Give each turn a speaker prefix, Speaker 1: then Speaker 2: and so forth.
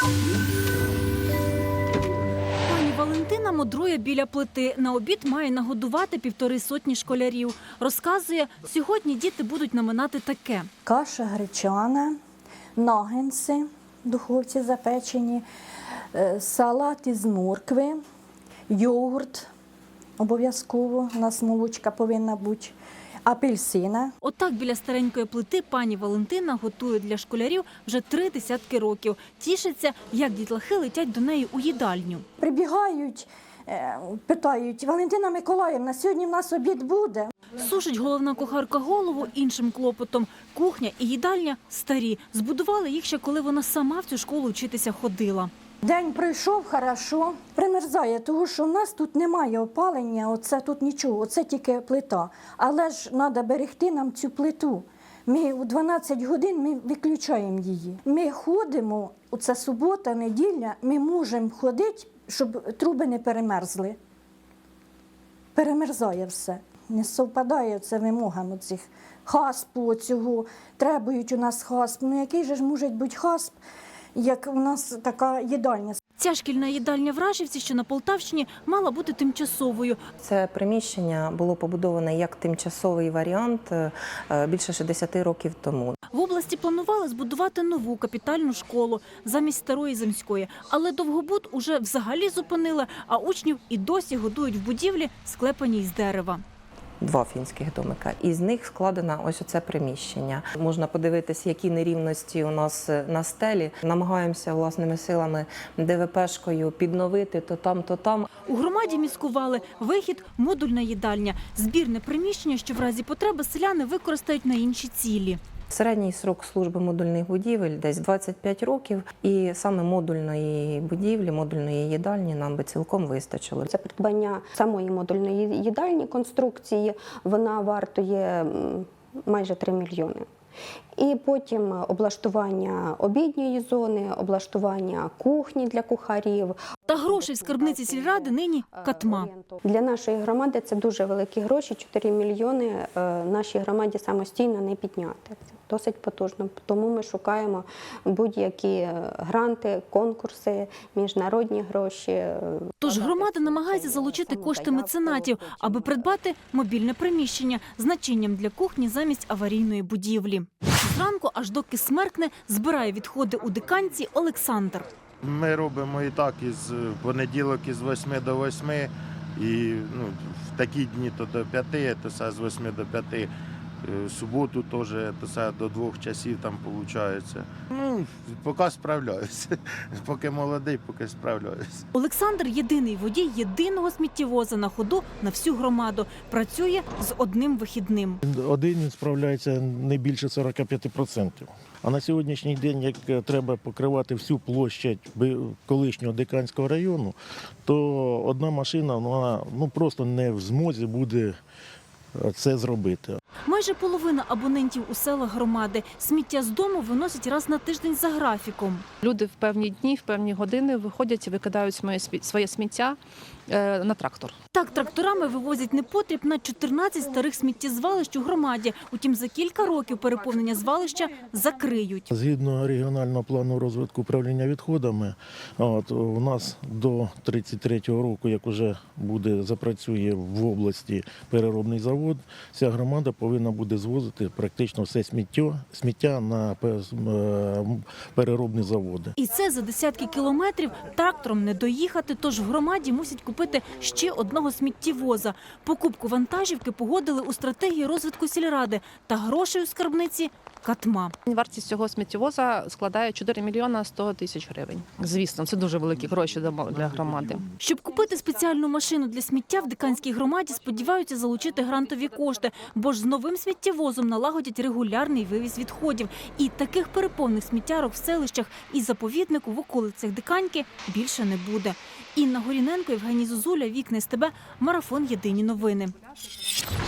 Speaker 1: Пані Валентина мудрує біля плити. На обід має нагодувати 150 школярів. Розказує, сьогодні діти будуть наминати таке.
Speaker 2: Каша гречана, наггетси в духовці запечені, салат із моркви, йогурт обов'язково, у нас молочка повинна бути, апельсина.
Speaker 1: Отак біля старенької плити пані Валентина готує для школярів вже 3 десятки років. Тішиться, як дітлахи летять до неї у їдальню.
Speaker 2: Прибігають, питають: Валентина Миколаївна, сьогодні в нас обід буде?
Speaker 1: Сушить головна кухарка голову іншим клопотом. Кухня і їдальня старі. Збудували їх ще, коли вона сама в цю школу вчитися ходила.
Speaker 2: День пройшов, хорошо, примерзає, тому що в нас тут немає опалення, оце тут нічого, оце тільки плита. Але ж треба берегти нам цю плиту. Ми у 12 годин ми виключаємо її. Ми ходимо, оце субота, неділя, ми можемо ходити, щоб труби не перемерзли. Перемерзає все. Не совпадає це вимогам цих хаспу, цього. Требують у нас хасп. Ну який же ж може бути хасп, як у нас така їдальня?
Speaker 1: Ця шкільна їдальня в Рашівці, що на Полтавщині, мала бути тимчасовою.
Speaker 3: Це приміщення було побудоване як тимчасовий варіант більше 60 років тому.
Speaker 1: В області планували збудувати нову капітальну школу замість старої земської. Але Довгобуд уже взагалі зупинили, а учнів і досі годують в будівлі, склепаній з дерева.
Speaker 3: 2 фінських домика. Із них складено ось оце приміщення. Можна подивитися, які нерівності у нас на стелі. Намагаємося власними силами ДВПшкою підновити то там, то там.
Speaker 1: У громаді міскували вихід – модульна їдальня. Збірне приміщення, що в разі потреби селяни використають на інші цілі.
Speaker 3: Середній срок служби модульних будівель десь 25 років. І саме модульної будівлі, модульної їдальні нам би цілком вистачило.
Speaker 4: Це придбання самої модульної їдальні конструкції, вона вартує майже 3 мільйони. І потім облаштування обідньої зони, облаштування кухні для кухарів.
Speaker 1: Та грошей в скарбниці сільради нині катма.
Speaker 4: Для нашої громади це дуже великі гроші, 4 мільйони нашій громаді самостійно не підняти. Це досить потужно, тому ми шукаємо будь-які гранти, конкурси, міжнародні гроші.
Speaker 1: Тож громада намагається залучити кошти меценатів, аби придбати мобільне приміщення з начинням для кухні замість аварійної будівлі. Зранку, аж доки смеркне, збирає відходи у диканці Олександр.
Speaker 5: Ми робимо і так, із понеділок із 8 до 8, і в такі дні то до 5, то з 8 до 5. Суботу теж до 2 часів там виходить. Поки справляюся. Поки молодий, поки справляюся.
Speaker 1: Олександр – єдиний водій єдиного сміттєвоза на ходу на всю громаду. Працює з одним вихідним.
Speaker 6: Один він справляється не більше 45%. А на сьогоднішній день, як треба покривати всю площадь колишнього Диканського району, то одна машина вона просто не в змозі буде це зробити.
Speaker 1: Майже половина абонентів у селах громади сміття з дому виносять раз на тиждень за графіком.
Speaker 7: Люди в певні дні, в певні години виходять і викидають своє сміття на трактор.
Speaker 1: Так, тракторами вивозять непотріб на 14 старих сміттєзвалищ у громаді. Утім, за кілька років переповнення звалища закриють.
Speaker 6: Згідно регіонального плану розвитку управління відходами, у нас до 33-го року, як вже запрацює в області переробний завод, вся громада повинна буде звозити практично все сміття на переробні заводи.
Speaker 1: І це за десятки кілометрів трактором не доїхати, тож в громаді мусять купити ще одного сміттєвоза. Покупку вантажівки погодили у стратегії розвитку сільради, та грошей у скарбниці катма.
Speaker 7: Вартість цього сміттєвоза складає 4 мільйона 100 тисяч гривень. Звісно, це дуже великі гроші для громади.
Speaker 1: Щоб купити спеціальну машину для сміття, в Диканській громаді сподіваються залучити грантові кошти, бо ж з новим сміттєвозом налагодять регулярний вивіз відходів. І таких переповних сміттярок в селищах і заповіднику в околицях Диканьки більше не буде. Інна Горіненко, Євгеній Зозуля, Вікна СТБ, Марафон. Єдині новини.